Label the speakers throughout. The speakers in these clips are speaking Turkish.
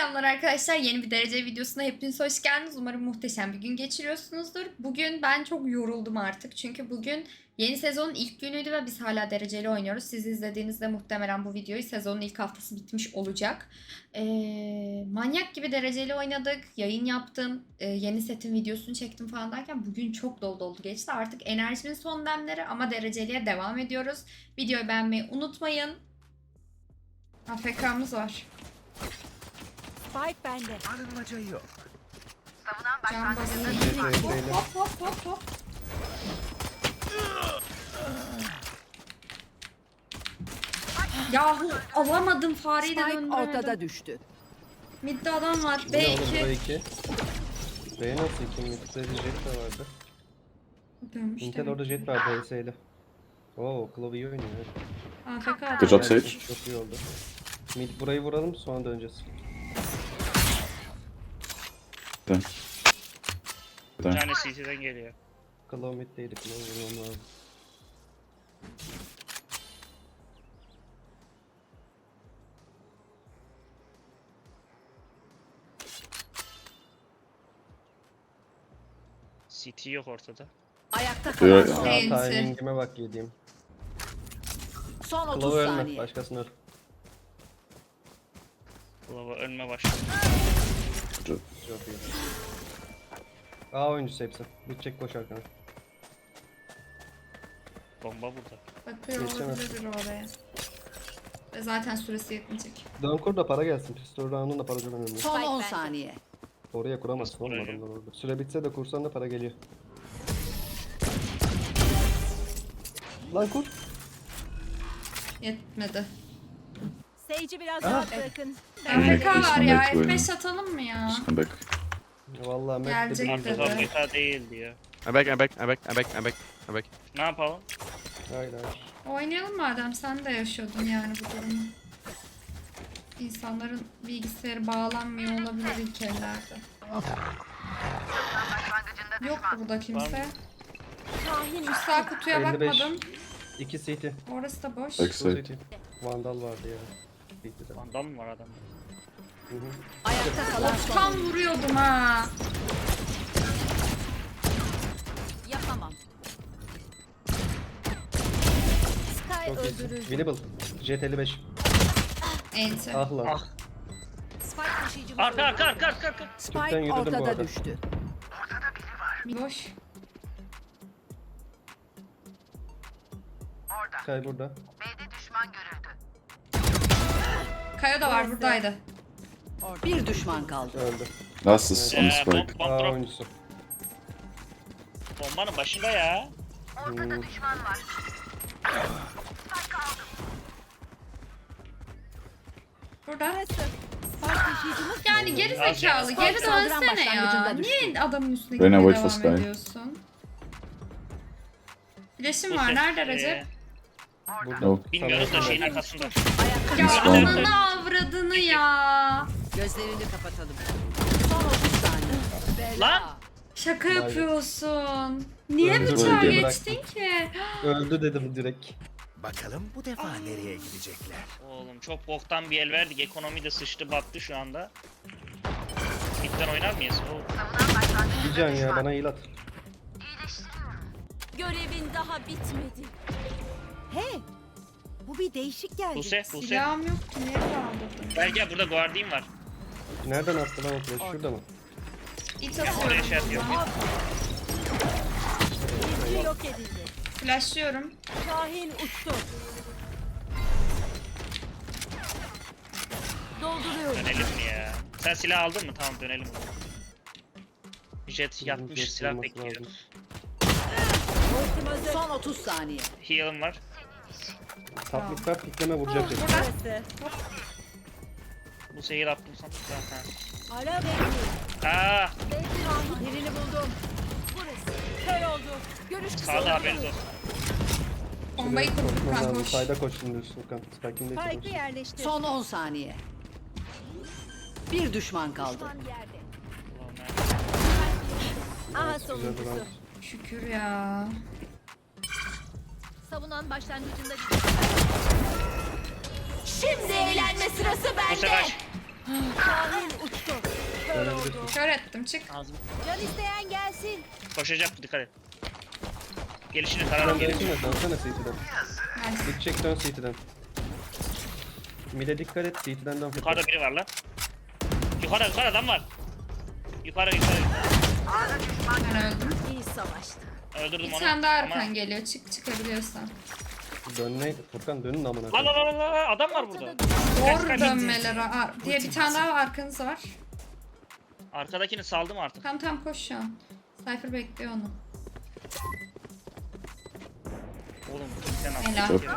Speaker 1: Selamlar arkadaşlar. Yeni bir derece videosuna hepiniz hoş geldiniz. Umarım muhteşem bir gün geçiriyorsunuzdur. Bugün ben çok yoruldum artık. Çünkü bugün yeni sezonun ilk günüydü ve biz hala dereceli oynuyoruz. Siz izlediğinizde muhtemelen bu videoyu sezonun ilk haftası bitmiş olacak. Manyak gibi dereceli oynadık. Yayın yaptım. Yeni setin videosunu çektim falan derken bugün çok dolu dolu geçti. Artık enerjimin son demleri ama dereceliye devam ediyoruz. Videoyu beğenmeyi unutmayın. AFK'mız var.
Speaker 2: Spike bende.
Speaker 3: Arınmaca yok.
Speaker 1: Can basın. Hop hop hop hop. Yahu alamadım fareyi de
Speaker 2: Spike
Speaker 1: döndüremedim.
Speaker 2: ortada düştü.
Speaker 1: Midde adam var.
Speaker 4: Bu ne oğlum, bu
Speaker 1: B2.
Speaker 4: 2. B nasıl 2? Mid'de bir jet de vardı.
Speaker 1: Dönmüş
Speaker 4: Intel
Speaker 1: demek.
Speaker 4: orada jet var DS ile. Oo, Claw iyi oynuyor.
Speaker 1: AFK adam.
Speaker 5: Good job, Sage.
Speaker 4: Çok iyi oldu. Mid burayı vuralım, sonra döneceğiz.
Speaker 5: Dön.
Speaker 6: Bir
Speaker 5: Dön.
Speaker 6: tane CT'den geliyor.
Speaker 4: Claw mid'deydi, Claw vurmam lazım.
Speaker 6: CT yok ortada.
Speaker 2: Ayakta
Speaker 5: Buyur.
Speaker 2: kalan son.
Speaker 4: Aa,
Speaker 1: Enti.
Speaker 4: timingime bak yediğim.
Speaker 2: Son 30
Speaker 4: Claw ölme,
Speaker 2: saniye.
Speaker 4: başkasını öl.
Speaker 6: Lava ölme başladı.
Speaker 4: Çok iyi. A oyuncusu hepsi. Bitecek, koş arkana.
Speaker 6: Bomba burada.
Speaker 1: Bakıyor
Speaker 4: Geçemez.
Speaker 1: olabilir oraya. Ve zaten süresi yetmeyecek.
Speaker 4: Dön kur da para gelsin. Pistol round'un da para çok önemli.
Speaker 2: Son 10 saniye.
Speaker 4: Oraya kuramazsın
Speaker 6: Nasıl
Speaker 4: oğlum
Speaker 6: kuracağım?
Speaker 4: adamlar orada. Süre bitse de kursan da para geliyor. Lan kur.
Speaker 1: Yetmedi.
Speaker 2: Seyirci biraz
Speaker 4: Aha.
Speaker 2: rahat bırakın.
Speaker 1: AFK var ya.
Speaker 5: Come back,
Speaker 1: F5 atalım mı ya?
Speaker 5: Just come back.
Speaker 4: Vallahi
Speaker 1: Gelecek
Speaker 4: Mert
Speaker 1: dedi.
Speaker 6: Ortada beta değildi ya.
Speaker 7: I'm back.
Speaker 6: Ne yapalım?
Speaker 4: Hayır hayır.
Speaker 1: Oynayalım madem, sen de yaşıyordun yani bu durumu. İnsanların bilgisayarı bağlanmıyor olabilir ilk ellerde. Yok burada kimse. Şu sağ kutuya
Speaker 4: 55.
Speaker 1: bakmadım.
Speaker 4: 2 CT.
Speaker 1: Orası da boş.
Speaker 5: Backside.
Speaker 4: CT. Vandal vardı ya. CT'de.
Speaker 6: Vandal mı var adamda?
Speaker 4: Hı hı.
Speaker 2: Ayakta kalan son.
Speaker 1: Tam vuruyordum ha.
Speaker 2: Yapamam. Sky
Speaker 4: Çok iyisin.
Speaker 2: öldürüldü.
Speaker 4: Winnable. Jet 55.
Speaker 1: Enti.
Speaker 4: Ah lan.
Speaker 6: Ah.
Speaker 2: Spike taşıyıcımız
Speaker 6: Arka
Speaker 2: öldürüldü.
Speaker 6: arka.
Speaker 4: Tüpten
Speaker 2: Spike
Speaker 4: yürüdüm bu
Speaker 2: ortada
Speaker 4: arada.
Speaker 2: düştü.
Speaker 1: Boş.
Speaker 4: Kay burada.
Speaker 1: Kayo da var, buradaydı.
Speaker 2: Bir düşman kaldı.
Speaker 4: Öldü.
Speaker 5: Last is on the
Speaker 6: Bomb,
Speaker 5: spike.
Speaker 6: bomb
Speaker 4: A
Speaker 6: drop.
Speaker 4: oyuncusu.
Speaker 6: Bombanın başında ya.
Speaker 4: Hmm.
Speaker 1: Burada.
Speaker 2: Spike taşıyıcımız
Speaker 1: Yani geri zekalı, geri
Speaker 2: Saldıran
Speaker 1: dönsene ya.
Speaker 2: başlangıcında düştü.
Speaker 1: Niye adamın üstüne
Speaker 5: Reyna
Speaker 1: gitmeye
Speaker 5: wait for
Speaker 1: devam
Speaker 5: Sky.
Speaker 1: ediyorsun? Flash'im
Speaker 6: Bu
Speaker 1: var,
Speaker 6: ses,
Speaker 1: nerede Recep?
Speaker 4: Burada.
Speaker 5: Yok.
Speaker 6: Bilmiyoruz da
Speaker 4: Sana
Speaker 6: şeyin
Speaker 4: yakın.
Speaker 6: arkasında.
Speaker 1: Ya
Speaker 5: Tamam.
Speaker 1: ananı avradını ya.
Speaker 2: Gözlerini kapatalım. Son 30 saniye. Bela.
Speaker 6: Lan!
Speaker 1: Şaka
Speaker 4: Vay be.
Speaker 1: yapıyorsun. Niye
Speaker 4: Öldü,
Speaker 1: bıçağı
Speaker 5: öldü.
Speaker 1: geçtin ki?
Speaker 4: Öldü dedim direkt.
Speaker 3: Bakalım bu defa nereye gidecekler?
Speaker 6: Oğlum çok boktan bir el verdik. Ekonomi de sıçtı battı şu anda. Midden oynar mıyız? Oo.
Speaker 4: Bir can ya, bana heal at.
Speaker 2: Görevin daha bitmedi. Hey! Bu bir değişik geldi.
Speaker 6: Buse.
Speaker 1: Silahım yoktu, niye kaldırdın?
Speaker 6: Gel burada guardian var.
Speaker 4: Nereden attı lan o flash? Şurada mı?
Speaker 1: İt
Speaker 6: Oraya
Speaker 1: atıyorum.
Speaker 6: şey yapıyor.
Speaker 2: Birinci yok edildi.
Speaker 1: Flashlıyorum.
Speaker 2: Şahin uçtu. Dolduruyorum.
Speaker 6: Dönelim mi ya? Sen silah aldın mı? Tamam dönelim. Jet yatmış
Speaker 4: jet
Speaker 6: silah
Speaker 4: olması
Speaker 6: bekliyor.
Speaker 4: lazım.
Speaker 2: Son 30 saniye.
Speaker 6: Heal'ım var.
Speaker 4: Taplıklar pikleme vuracak dedi.
Speaker 2: Burası.
Speaker 6: Bu seyir attım sana. Zaten.
Speaker 2: Ara bekliyorum.
Speaker 6: Aa,
Speaker 2: Birini buldum. Burası. Kör oldu. Görüş kısa
Speaker 6: sağda
Speaker 2: oluyor.
Speaker 6: haberiniz olsun.
Speaker 1: Bombayı kurduk
Speaker 4: Koşmam
Speaker 1: kan
Speaker 4: lazım.
Speaker 1: koş.
Speaker 4: Sayda koş şimdi Furkan. Spike'in de
Speaker 2: Spike'ı
Speaker 4: koş.
Speaker 2: yerleştir. Son 10 saniye. Bir düşman kaldı.
Speaker 6: Ulan
Speaker 2: Aha
Speaker 4: Güzel
Speaker 2: sonuncusu.
Speaker 4: round.
Speaker 1: Şükür ya.
Speaker 2: Savunan başlangıcında Şimdi eğlenme sırası
Speaker 6: Bu sefer
Speaker 2: Şahin
Speaker 4: Görürsün.
Speaker 1: Kör ettim çık.
Speaker 6: Ağzım.
Speaker 2: Can isteyen gelsin.
Speaker 6: Koşacak, dikkat et. Gelişini
Speaker 4: Sen
Speaker 6: tararak gelir.
Speaker 4: dönsene, dönsene CT'den.
Speaker 1: Nice.
Speaker 4: Gidecek dön CT'den. Mid'e dikkat et, CT'den dön.
Speaker 6: Yukarıda biri var lan. Yukarı adam var. Yukarı.
Speaker 1: Ben öldüm.
Speaker 2: İyi savaştı.
Speaker 6: Öldürdüm
Speaker 1: Bir
Speaker 6: onu.
Speaker 1: tane daha
Speaker 6: Ama-
Speaker 1: arkan geliyor. Çıkabiliyorsan.
Speaker 4: Dönme, Furkan dönün amına
Speaker 6: Lan
Speaker 4: koyayım.
Speaker 6: lan adam var burada.
Speaker 1: Doğru dönmeleri diye bir tane daha arkanız var.
Speaker 6: Arkadakini saldım artık.
Speaker 1: Tam koş şu an. Cypher bekliyor onu.
Speaker 6: Oğlum sen
Speaker 1: Helal.
Speaker 6: at.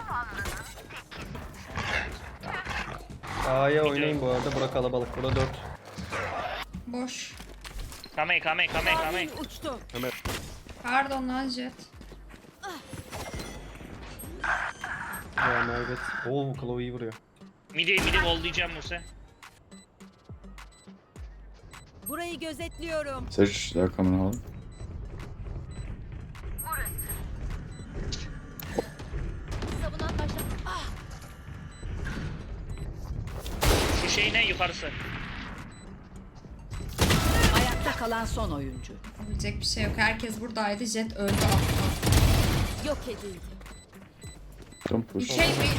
Speaker 4: A'ya oynayın bu arada. Bura kalabalık. Bura 4.
Speaker 1: Boş.
Speaker 6: Kamey.
Speaker 2: Şahin uçtu.
Speaker 1: Pardon lan Jet.
Speaker 4: Ya Mervet. Oo, Chloe'yi vuruyor.
Speaker 6: Midi vollayacağım Musa.
Speaker 2: Burayı gözetliyorum.
Speaker 5: Sage, they're coming home.
Speaker 2: Savunan başla. Ah!
Speaker 6: Şu şey ne yukarısı?
Speaker 8: Ayakta kalan son oyuncu.
Speaker 1: Yapabilecek bir şey yok. Herkes buradaydı. Jet öldü.
Speaker 2: Yok edildi.
Speaker 5: Don't
Speaker 1: Bir
Speaker 5: push.
Speaker 1: şey bir...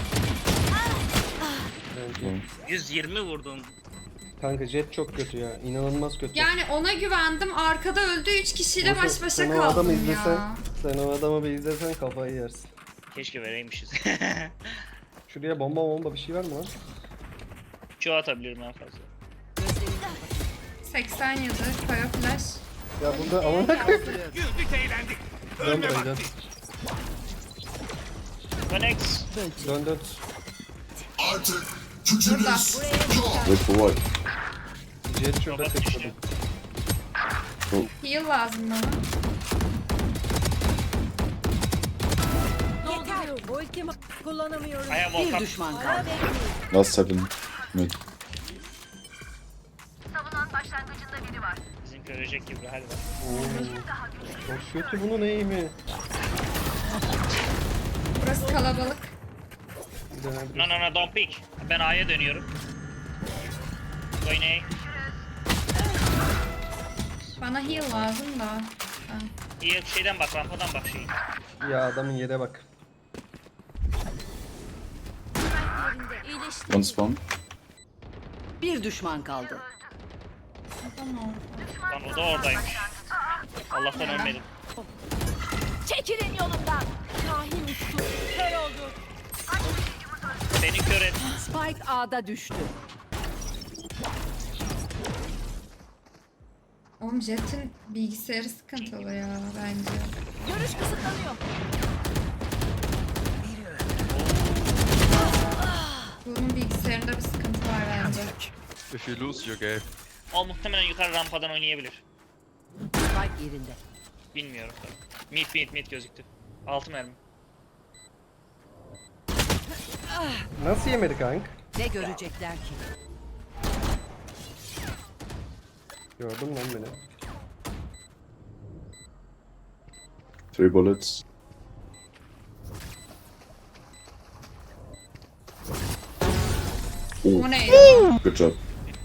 Speaker 4: Bence.
Speaker 6: 120 vurdum.
Speaker 4: Kanka Jet çok kötü ya. İnanılmaz kötü.
Speaker 1: Yani ona güvendim. Arkada öldü. 3 kişiyle
Speaker 4: Musa,
Speaker 1: baş başa
Speaker 4: sen o adamı
Speaker 1: kaldım
Speaker 4: izlesen,
Speaker 1: ya.
Speaker 4: sen o adamı bir izlesen kafayı yersin.
Speaker 6: Keşke vereymişiz.
Speaker 4: Şuraya bomba bir şey var mı lan?
Speaker 6: Çoğu atabilirim en fazla.
Speaker 1: 87. Koya flash.
Speaker 4: Ya burada amına koyayım. Dön buraya dön.
Speaker 6: Connect.
Speaker 4: Dön.
Speaker 1: Burada.
Speaker 5: Wait for what?
Speaker 4: Jet şurada
Speaker 6: Robot
Speaker 4: tek
Speaker 6: düştü.
Speaker 4: kadın.
Speaker 1: Heal lazım bana.
Speaker 2: Yeter. Ultimi kullanamıyorum.
Speaker 6: I have
Speaker 8: Bir
Speaker 6: Volkan.
Speaker 8: düşman
Speaker 2: Ara
Speaker 8: kaldı.
Speaker 2: bekleyin.
Speaker 5: Last 7 mid.
Speaker 6: Bizimki ölecek gibi bir hal var.
Speaker 4: Oo, çok kötü bunun eğimi.
Speaker 1: Burası kalabalık.
Speaker 4: Dönebiliriz.
Speaker 6: No, don't pick. Ben A'ya dönüyorum. Oynayın.
Speaker 1: Bana heal lazım da. Ha.
Speaker 6: İyi şeyden bak, rampadan bak şeyi.
Speaker 4: Ya adamın yere bak.
Speaker 2: Yerinde iyileşti.
Speaker 5: One spawn.
Speaker 8: Bir düşman kaldı.
Speaker 1: Tamam.
Speaker 6: Lan o da oradaymış. Allah'tan ölmedim.
Speaker 2: Çekilin yolumdan. Şahin uçtu. Kör oldu.
Speaker 6: Beni kör et.
Speaker 8: Spike A'da düştü.
Speaker 1: Oğlum Jet'in bilgisayarı sıkıntılı ya bence.
Speaker 2: Görüş kısıtlanıyor.
Speaker 1: Bunun bilgisayarında bir sıkıntı var bence.
Speaker 7: If you lose, you're gay.
Speaker 6: O muhtemelen yukarı rampadan oynayabilir.
Speaker 8: Spike yerinde.
Speaker 6: Bilmiyorum. Mid gözüktü. 6 mermi.
Speaker 4: Nasıl yemedi kank?
Speaker 8: Ne görecekler ki?
Speaker 4: Gördün lan beni.
Speaker 5: 3 bullets.
Speaker 1: O neydi?
Speaker 5: Good job.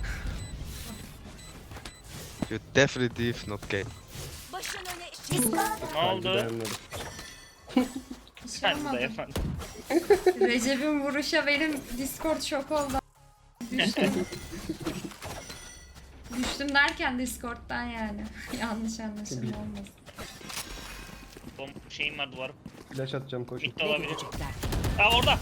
Speaker 7: You're definitely not gay.
Speaker 2: Başın öne.
Speaker 6: Ne
Speaker 4: Bence
Speaker 6: oldu?
Speaker 4: beğenmedim.
Speaker 1: Bir şey
Speaker 6: Sen de
Speaker 1: olmadı.
Speaker 6: efendim.
Speaker 1: Recep'in vuruşa benim Discord şok oldu. Düştüm. Düştüm derken Discord'dan yani. Yanlış anlaşılma olmasın.
Speaker 6: Şeyim var duvarım.
Speaker 4: Flash atacağım koşun.
Speaker 6: Mid de
Speaker 8: Ne
Speaker 6: olabilir.
Speaker 8: görecekler?
Speaker 6: Aa orada.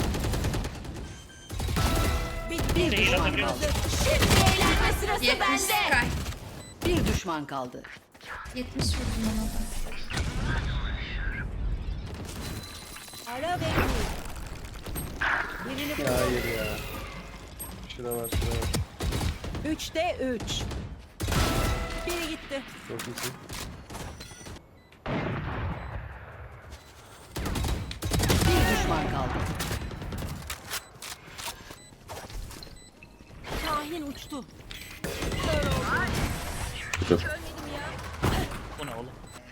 Speaker 8: Bir
Speaker 6: Değil
Speaker 8: düşman
Speaker 6: atabiliyor
Speaker 8: kaldı.
Speaker 6: musun?
Speaker 2: Şimdi eğlenme sırası
Speaker 1: 70
Speaker 2: bende.
Speaker 1: Sky.
Speaker 8: Bir düşman kaldı.
Speaker 1: 70 vurdum ona da.
Speaker 2: Ara bekleyin. Birini
Speaker 4: Ya hayır ya. Şura var.
Speaker 2: 3'te 3. Biri gitti.
Speaker 4: Çok iyisin.
Speaker 8: Bir düşman kaldı.
Speaker 2: Şahin uçtu.
Speaker 5: Good job.
Speaker 6: Bu ne oğlum?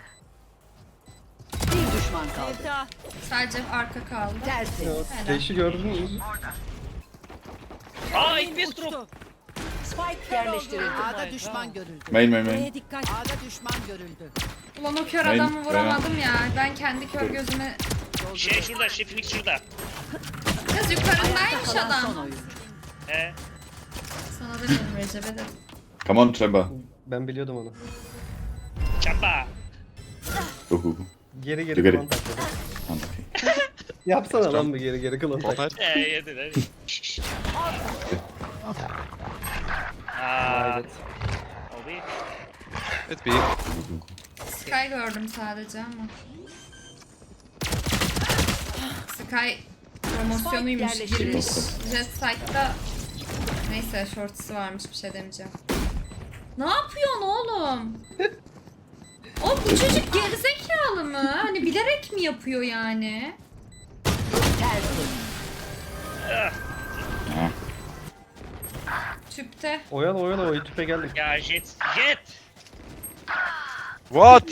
Speaker 8: Bir düşman kaldı.
Speaker 2: Sevda.
Speaker 1: Sadece arka kaldı.
Speaker 8: Tertemiz.
Speaker 4: Ya, Flash'i gördün mü?
Speaker 6: Aa
Speaker 2: Şahin
Speaker 6: ilk bir
Speaker 2: uçtu.
Speaker 6: drop.
Speaker 8: Spike yerleştirildi. A'da düşman görüldü.
Speaker 5: Main, main, main.
Speaker 2: Buraya dikkat.
Speaker 8: A'da düşman görüldü.
Speaker 1: Ulan o kör
Speaker 5: Aynen,
Speaker 1: adamı vuramadım ya. Ben kendi kör gözüme...
Speaker 6: Şey şurada, Şefik şurada.
Speaker 1: Kız yukarındaymış
Speaker 8: Kalan son
Speaker 1: adam.
Speaker 8: oyuncu.
Speaker 1: Sana da dedim Recep'e dedim.
Speaker 5: Come on, Chamber.
Speaker 4: Ben biliyordum onu.
Speaker 6: Çapa.
Speaker 5: Go, go, go.
Speaker 4: Geri
Speaker 5: You
Speaker 4: geri
Speaker 5: get
Speaker 4: klon
Speaker 5: it.
Speaker 4: takladı.
Speaker 5: Okay.
Speaker 4: Yapsana lan bir geri geri klon
Speaker 7: One
Speaker 4: takladı.
Speaker 7: night.
Speaker 6: Yedin hadi. Aaa.
Speaker 4: Hayret.
Speaker 6: Abi.
Speaker 7: It be.
Speaker 1: Sky gördüm sadece ama. Sky promosyonuymuş,
Speaker 8: Spike
Speaker 1: girmiş.
Speaker 8: yerleştirildi.
Speaker 1: Jet Side'da neyse shorts'u varmış, bir şey demeyeceğim. Ne yapıyorsun oğlum? O bu çocuk gerizekalı mı? Hani bilerek mi yapıyor yani?
Speaker 8: Tersi.
Speaker 1: Tüpte.
Speaker 4: Oyala o tüpe geldim.
Speaker 6: Ya jet.
Speaker 7: What?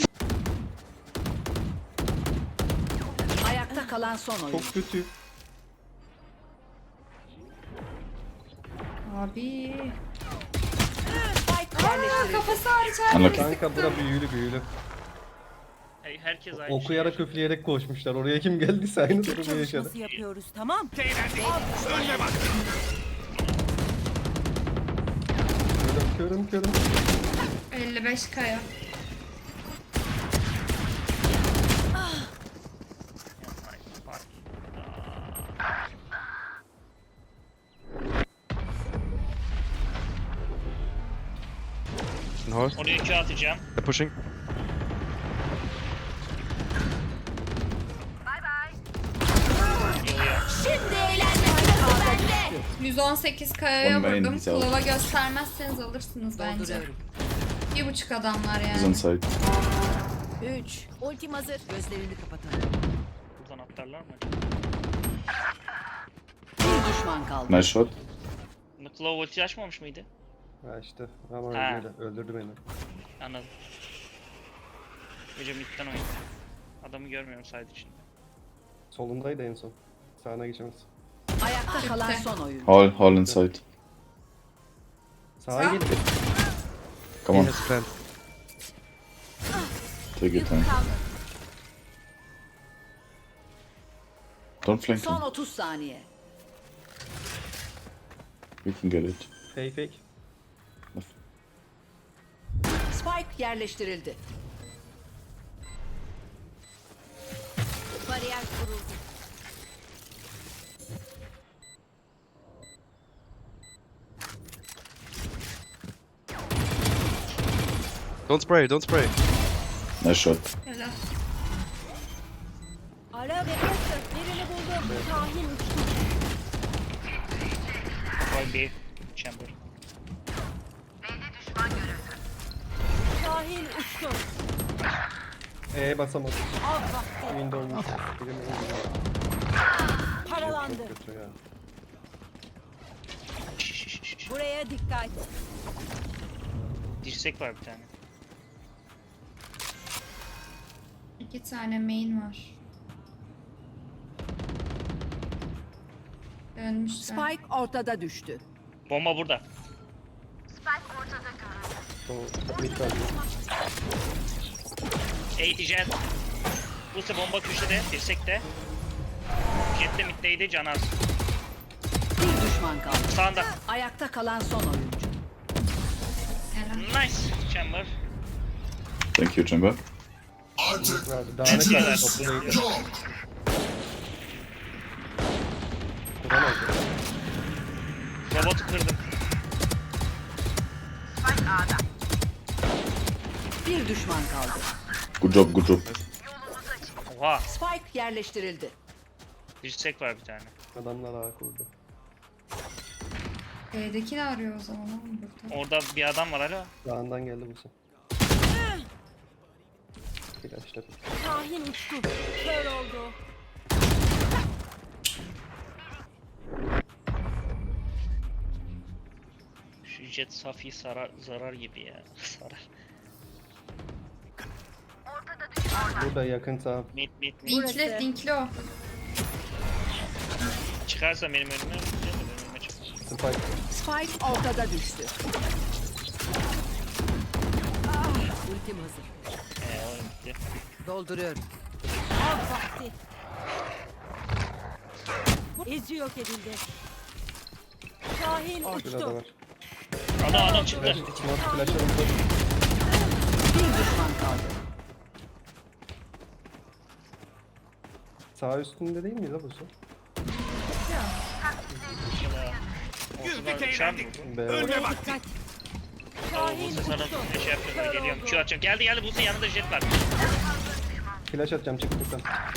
Speaker 8: Ayakta kalan son oyuncu.
Speaker 4: Çok kötü.
Speaker 1: Abi.
Speaker 8: Spike
Speaker 1: Aa,
Speaker 8: yerleştirildi.
Speaker 1: kafası hariç her
Speaker 5: Unlucky.
Speaker 1: yeri
Speaker 4: Kanka
Speaker 1: sıktım.
Speaker 4: bura büyülü.
Speaker 6: Herkes aynı
Speaker 4: Okuyarak
Speaker 6: şey.
Speaker 4: üfleyerek koşmuşlar. Oraya kim geldiyse aynı durumu yaşadı.
Speaker 2: Çalışması yapıyoruz, tamam?
Speaker 4: Körüm.
Speaker 1: 55 kaya.
Speaker 7: No.
Speaker 6: Oraya Q atacağım.
Speaker 7: They're pushing.
Speaker 1: 118 kayaya
Speaker 5: One main,
Speaker 1: vurdum.
Speaker 5: he's out.
Speaker 1: Klova göstermezseniz alırsınız bence.
Speaker 8: Dolduruyorum.
Speaker 1: 1.5 adamlar
Speaker 5: He's on
Speaker 1: yani.
Speaker 5: site.
Speaker 8: 3. Ultim hazır. Gözlerini kapatalım.
Speaker 6: Buradan atlarlar mı?
Speaker 8: Bir düşman kaldı.
Speaker 5: Nice shot.
Speaker 6: Claw ulti açmamış mıydı?
Speaker 4: Ha işte ama
Speaker 6: Ha.
Speaker 4: öldürdü beni.
Speaker 6: Anladım. Gece midden oynadı. Adamı görmüyorum side içinde.
Speaker 4: Solundaydı en son. Sağına geçemez.
Speaker 8: Ayakta kalan
Speaker 1: Bitti.
Speaker 8: son oyuncu.
Speaker 5: Hall inside.
Speaker 4: Sağa
Speaker 1: Sağ.
Speaker 4: geldi.
Speaker 5: Come
Speaker 7: He
Speaker 5: on,
Speaker 7: has plant.
Speaker 5: take your time. Don't flank
Speaker 8: Son
Speaker 5: him.
Speaker 8: 30 saniye.
Speaker 5: We can get it.
Speaker 4: Fake.
Speaker 8: Spike yerleştirildi. Bariyer kuruldu.
Speaker 7: Don't spray.
Speaker 5: Nice shot.
Speaker 1: Helal.
Speaker 2: Ara ve kaçtı. Birini buldum. Kahin uçtu.
Speaker 6: Troy B. Chamber.
Speaker 2: Kahin uçtu.
Speaker 4: Basamadım.
Speaker 2: Av vakti.
Speaker 4: Windows'muş.
Speaker 2: Paralandı.
Speaker 4: Kötü ya.
Speaker 2: Buraya dikkat.
Speaker 6: Dirsek var bir tane.
Speaker 1: 2 tane main var. Dönmüşler.
Speaker 8: Spike ortada düştü.
Speaker 6: Bomba burada.
Speaker 4: Mid kaldı.
Speaker 6: 80 jet. Buse bomba köşede. Dirsekte. Jet de middeydi. Canaz.
Speaker 8: Bir düşman kaldı.
Speaker 6: Sağında.
Speaker 8: Ayakta kalan son oyuncu.
Speaker 1: Helal.
Speaker 6: Nice. Chamber.
Speaker 5: Thank you, Chamber.
Speaker 4: Verdi. Daha ne kadar
Speaker 6: Evet.
Speaker 4: toplayıp. Vuramaz.
Speaker 6: Robotu kırdım.
Speaker 8: Bir düşman kaldı.
Speaker 5: Good job.
Speaker 6: Oha.
Speaker 8: Spike yerleştirildi.
Speaker 6: Dirsek var bir tane.
Speaker 4: Adamlar ağa kurdu.
Speaker 1: B'deki ne arıyor o zaman oğlum burada?
Speaker 6: Orada bir adam var hala.
Speaker 4: Dağından geldi bu sen. Flaşladı.
Speaker 2: Kahin uçtu. Kör oldu.
Speaker 6: Şu jet safi zarar gibi ya. Sarar.
Speaker 4: Burada yakın sağ.
Speaker 6: Mid.
Speaker 1: Linkli o.
Speaker 6: Çıkarsa benim önüme önüme çık.
Speaker 4: Spike.
Speaker 8: Spike ortada düştü. Ultim hazır.
Speaker 6: Oyun bitti.
Speaker 8: Dolduruyorum.
Speaker 2: Av vakti. İzi yok edildi. Şahin
Speaker 4: Şurada da
Speaker 2: uçtu.
Speaker 4: var.
Speaker 6: Adam çıktı.
Speaker 4: Flash, smoke, flash alındı.
Speaker 8: Bir düşman kaldı.
Speaker 4: Sağ üstünde değil miyiz la bu su?
Speaker 6: Güldük eğlendik.
Speaker 4: B.
Speaker 2: Buraya dikkat. Şahin
Speaker 6: Buse sana
Speaker 2: uçtu.
Speaker 6: şey yaptım. Geliyorum. Q atacağım. Geldi Buse yanında jet var.
Speaker 4: Flash atacağım çıktıktan.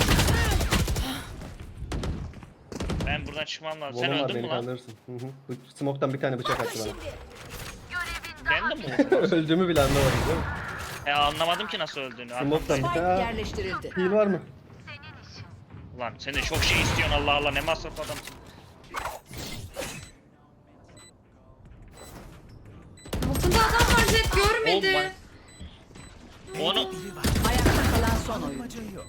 Speaker 6: Ben buradan çıkmam lazım. Sen
Speaker 4: Volum var
Speaker 6: öldün mü
Speaker 4: beni
Speaker 6: lan?
Speaker 4: kandırırsın. Hı hı. Bu smoke'tan bir tane bıçak attı bana.
Speaker 6: Ben de mi vurdum?
Speaker 4: Öldüğümü bile anlamadım değil mi?
Speaker 6: Anlamadım ki nasıl öldüğünü.
Speaker 4: Smoke'tan bir
Speaker 8: Spike
Speaker 4: tane.
Speaker 8: yerleştirildi.
Speaker 4: Heal var mı?
Speaker 6: Lan sen de çok şey istiyorsun Allah Allah ne masraf adamsın.
Speaker 1: Altında adam var Jet görmedi.
Speaker 6: Onu
Speaker 8: Ayakta kalan son oyuncu.
Speaker 3: Amacı yok.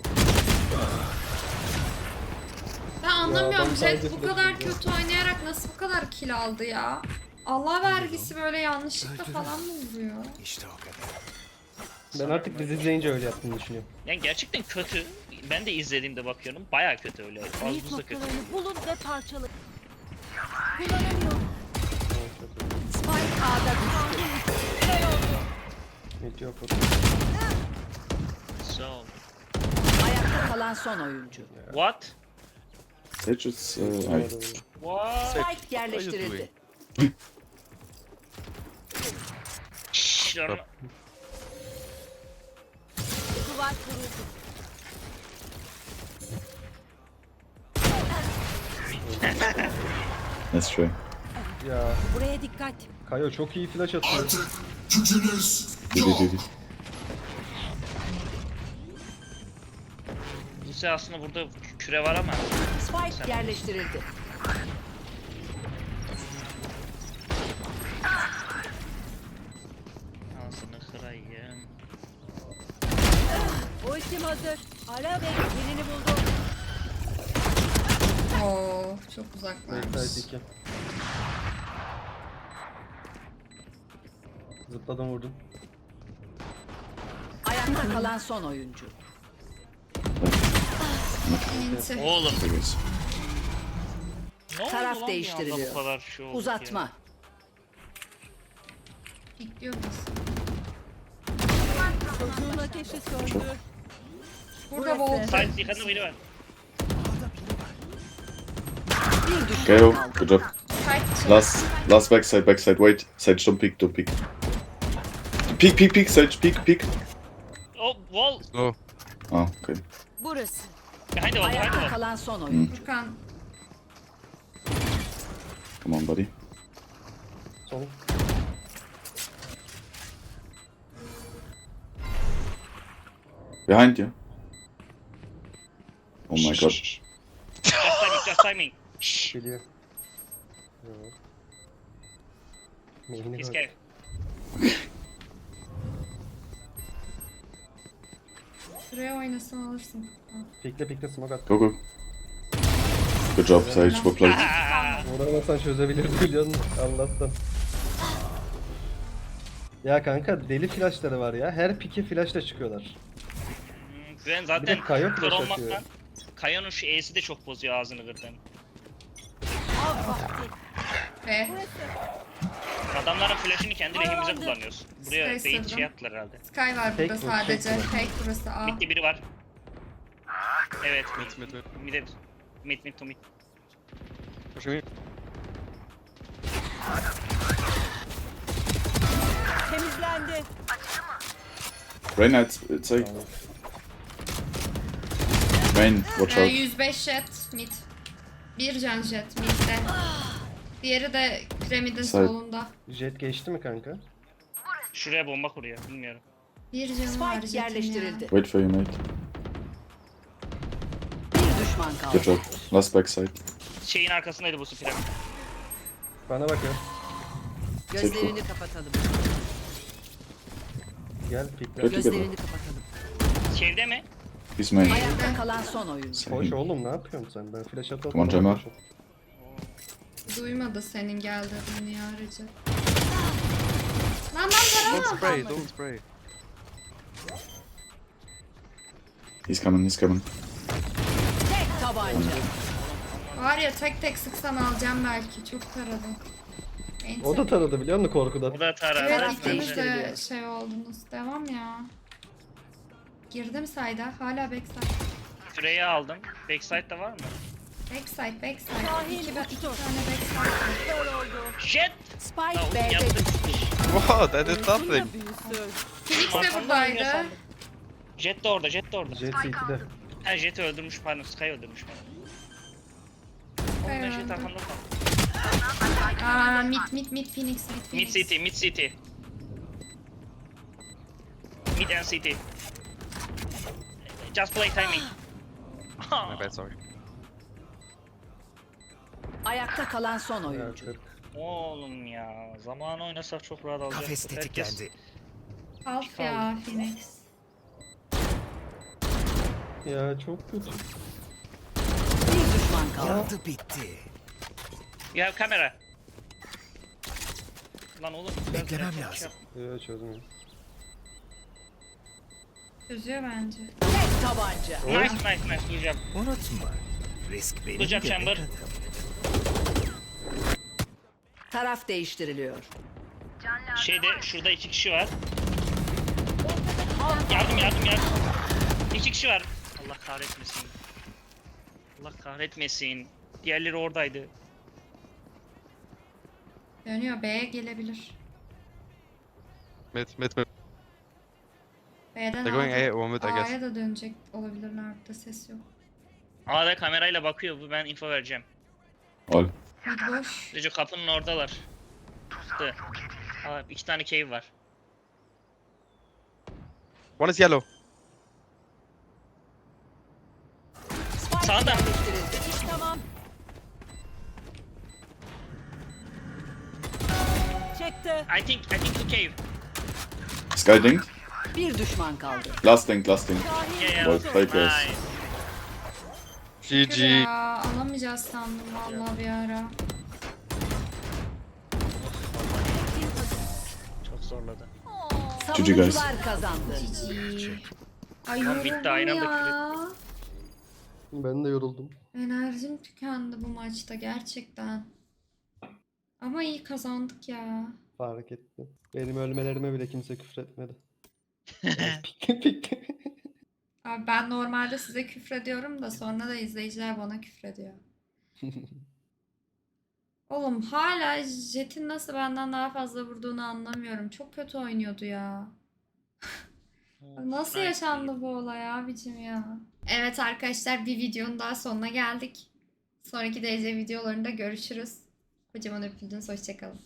Speaker 1: Ben anlamıyorum
Speaker 4: adam
Speaker 1: Jet
Speaker 4: sadece
Speaker 1: bu
Speaker 4: flash
Speaker 1: kadar
Speaker 4: atıyor.
Speaker 1: kötü oynayarak nasıl bu kadar kill aldı ya? Allah vergisi böyle yanlışlıkla falan mı vuruyor?
Speaker 3: İşte o kadar.
Speaker 4: Ben artık dizi izleyince öyle yaptığını düşünüyorum.
Speaker 6: yani gerçekten kötü. Ben de izlediğimde bakıyorum. Baya kötü öyle.
Speaker 2: Zayıf
Speaker 6: Fazla kötü.
Speaker 2: noktalarını bulun ve parçalayın. Kullanamıyorum.
Speaker 8: Spike A'da düştü.
Speaker 4: Hiç yok.
Speaker 6: So.
Speaker 8: Ayakta kalan son oyuncu.
Speaker 6: What?
Speaker 5: Sage is
Speaker 6: What?
Speaker 8: Spike yerleştirildi.
Speaker 6: Şşş, lan.
Speaker 2: Duvar kuruldu.
Speaker 5: That's true.
Speaker 4: Ya
Speaker 2: Buraya dikkat.
Speaker 4: Kayo çok iyi flash atıyor.
Speaker 5: GG.
Speaker 6: Buse aslında burada küre var ama.
Speaker 8: Spike yerleştirildi.
Speaker 6: Ağzını kırayım.
Speaker 2: Ultim hazır. Ara ve yerini buldu.
Speaker 1: Oo çok uzaklarmış.
Speaker 4: Backside 2. Zıpladım vurdum.
Speaker 8: Ayakta kalan son oyuncu.
Speaker 1: Enti.
Speaker 6: Oğlum.
Speaker 5: Figures.
Speaker 6: Ne oldu
Speaker 8: Taraf
Speaker 6: lan bir
Speaker 8: değiştiriliyor.
Speaker 6: anda bu kadar şey oldu
Speaker 8: Uzatma.
Speaker 6: ya?
Speaker 1: Bekliyor musun?
Speaker 2: Çocuğun ateşi söndü.
Speaker 1: Burada Volt.
Speaker 6: Side yıkandı biri var.
Speaker 8: Bir düşman
Speaker 5: Kayo,
Speaker 8: kaldı.
Speaker 5: good job.
Speaker 1: Fight.
Speaker 5: Last backside. Wait. Sage, don't peek. Peek, Sage, peek.
Speaker 6: Oh wall.
Speaker 7: No.
Speaker 5: Oh, okay.
Speaker 2: Burası.
Speaker 6: Behind the wall.
Speaker 8: Ayakta kalan son oyuncu.
Speaker 1: Furkan.
Speaker 5: Come on, buddy.
Speaker 4: Sol.
Speaker 5: Behind you. Oh my god.
Speaker 6: Just timing. Shh.
Speaker 4: Geliyor. Yok. Neyine
Speaker 6: He's
Speaker 4: bak.
Speaker 6: cave.
Speaker 1: Şuraya oynasan alırsın.
Speaker 4: Pikle smoke at.
Speaker 5: Go. Good job, Sage. Well played.
Speaker 4: Uğramasan çözebilirdi biliyor musun? Allah'tan. Ya kanka deli flashları var ya. Her pike flashla çıkıyorlar.
Speaker 6: Ben
Speaker 4: Bir
Speaker 6: zaten
Speaker 4: de Kayo
Speaker 6: kör
Speaker 4: flash
Speaker 6: olmaktan.
Speaker 4: atıyor.
Speaker 6: Kayo'nun şu E'si de çok bozuyor ağzını kırdan.
Speaker 2: Av vakti.
Speaker 1: Ve
Speaker 6: Adamların flash'ını kendi lehimize kullanıyoruz. Buraya
Speaker 1: Sky
Speaker 6: beyin
Speaker 1: sırdım.
Speaker 6: şey yaptılar herhalde.
Speaker 1: Sky var
Speaker 4: Tek
Speaker 1: burada
Speaker 4: bu,
Speaker 1: sadece.
Speaker 4: tek bu.
Speaker 1: Fake burası A.
Speaker 6: Mid'de biri var. Evet.
Speaker 7: Mid.
Speaker 6: Mid to mid.
Speaker 7: Pushing me.
Speaker 2: Temizlendi.
Speaker 5: Reyna, it's A. Main, watch out.
Speaker 1: 105 jet mid. Bir can jet midde. Diğeri de piramidin
Speaker 5: Side.
Speaker 1: solunda.
Speaker 4: Jet geçti mi kanka?
Speaker 6: Şuraya bomba kuruyor. Bilmiyorum.
Speaker 1: Bir canı var
Speaker 8: Spike
Speaker 1: jetin ya.
Speaker 8: yerleştirildi.
Speaker 5: Wait for you, mate.
Speaker 8: Bir düşman
Speaker 5: Good
Speaker 8: kaldı.
Speaker 5: job. Last backside.
Speaker 6: Şeyin arkasındaydı bu piramit.
Speaker 4: Bana bakıyor.
Speaker 8: Gözlerini kapatalım.
Speaker 4: Gel pikle.
Speaker 5: Peki.
Speaker 8: Gözlerini kapatalım.
Speaker 6: Şeyde mi?
Speaker 5: He's main.
Speaker 8: Ayakta kalan son oyuncu.
Speaker 4: Hoş oğlum ne yapıyorsun sen? Ben flash atıp
Speaker 5: Come on, Cema.
Speaker 1: Duymadı senin gel dediğini ya Recep. Lan para
Speaker 7: Don't
Speaker 1: mı?
Speaker 7: spray, don't spray.
Speaker 5: He's coming, he's coming.
Speaker 8: Tek tabanca.
Speaker 1: Var ya tek tek sıksam alacağım belki. Çok taradım.
Speaker 4: O da taradı biliyor musun korkudan?
Speaker 6: Bu da taradı.
Speaker 1: Evet
Speaker 8: Taraf
Speaker 1: ikiniz de
Speaker 8: değiştiriliyor.
Speaker 1: şey oldunuz. Devam ya. Girdim sayda. Hala backside.
Speaker 6: Süreyi aldım. Backside de var mı?
Speaker 1: Backside.
Speaker 2: Şahin
Speaker 1: İki
Speaker 2: uçtu.
Speaker 1: tane backside var.
Speaker 2: Kör oldu.
Speaker 6: Jet!
Speaker 8: Spike
Speaker 6: Oğlum
Speaker 8: B'de
Speaker 6: yaptım.
Speaker 7: Wow, that did nothing.
Speaker 2: Büyüsün.
Speaker 1: Phoenix de
Speaker 6: Arkamdan
Speaker 1: buradaydı.
Speaker 6: oynuyor sandım. Jet de orada, Jet de orada.
Speaker 4: Jet CT'de.
Speaker 6: Ha Jet'i öldürmüş pardon, Sky öldürmüş pardon. Oğlum ben Jet
Speaker 1: öldüm.
Speaker 6: arkamda kaldım.
Speaker 1: Aa, mid Phoenix.
Speaker 6: Mid city, mid city. Mid and city. Just play timing.
Speaker 7: My bad, sorry.
Speaker 8: ayakta kalan son
Speaker 4: Ya,
Speaker 8: oyuncu.
Speaker 4: 40.
Speaker 6: Oğlum ya, zamanı oynasak çok rahat alacaktık.
Speaker 5: Kafes tetiklendi.
Speaker 1: Kalk ya Phoenix.
Speaker 4: Ya çok kötü.
Speaker 8: Bir düşman kaldı.
Speaker 5: Yandı bitti.
Speaker 6: Ya kamera. Lan oğlum.
Speaker 5: Beklemem
Speaker 6: şey
Speaker 5: lazım.
Speaker 4: Ya çözmüyor.
Speaker 1: Çözüyor bence.
Speaker 8: Tek tabanca.
Speaker 6: Nice, duyacağım.
Speaker 5: Unutma. Risk benim
Speaker 6: Bıçak
Speaker 5: göbek
Speaker 6: chamber.
Speaker 5: adım.
Speaker 8: Taraf değiştiriliyor.
Speaker 6: Şurada 2 kişi var. Yardım. 2 kişi var. Allah kahretmesin. Allah kahretmesin. Diğerleri oradaydı.
Speaker 1: Dönüyor B'ye gelebilir.
Speaker 7: Mid.
Speaker 1: B'den
Speaker 7: They're going A, one mid, I guess.
Speaker 1: A'ya da dönecek olabilir. Nerede ses yok.
Speaker 6: A'da kamerayla bakıyor bu, ben info vereceğim.
Speaker 5: Ol.
Speaker 1: Mid boş.
Speaker 6: Recep kapının oradalar. Dı. Aa, 2 tane cave var.
Speaker 7: One is yellow.
Speaker 8: Spike
Speaker 6: Sağda.
Speaker 8: yerleştirildi.
Speaker 2: İş tamam. Çekti.
Speaker 6: I think two cave.
Speaker 5: Sky dink.
Speaker 8: Bir düşman kaldı.
Speaker 5: Last dink.
Speaker 6: Yeah.
Speaker 5: Both fake guys.
Speaker 6: Nice.
Speaker 7: GG.
Speaker 1: Ya alamayacağız sandım vallahi bir ara.
Speaker 6: Çok zorladı.
Speaker 8: Savunucular kazandı.
Speaker 1: Ay
Speaker 6: Lan bitti,
Speaker 1: yoruldum
Speaker 6: aynı anda
Speaker 1: ya.
Speaker 4: Ben de yoruldum.
Speaker 1: Enerjim tükendi bu maçta gerçekten. Ama iyi kazandık ya.
Speaker 4: Fark ettim. Benim ölmelerime bile kimse küfür etmedi. Pik.
Speaker 1: Abi ben normalde size küfrediyorum da sonra da izleyiciler bana küfrediyor. Oğlum hala Jet'in nasıl benden daha fazla vurduğunu anlamıyorum. Çok kötü oynuyordu ya. Nasıl
Speaker 6: Nice.
Speaker 1: yaşandı bu olay abicim ya? Evet arkadaşlar bir videonun daha sonuna geldik. Sonraki derece videolarında görüşürüz. Kocaman öpüldünüz. Hoşçakalın.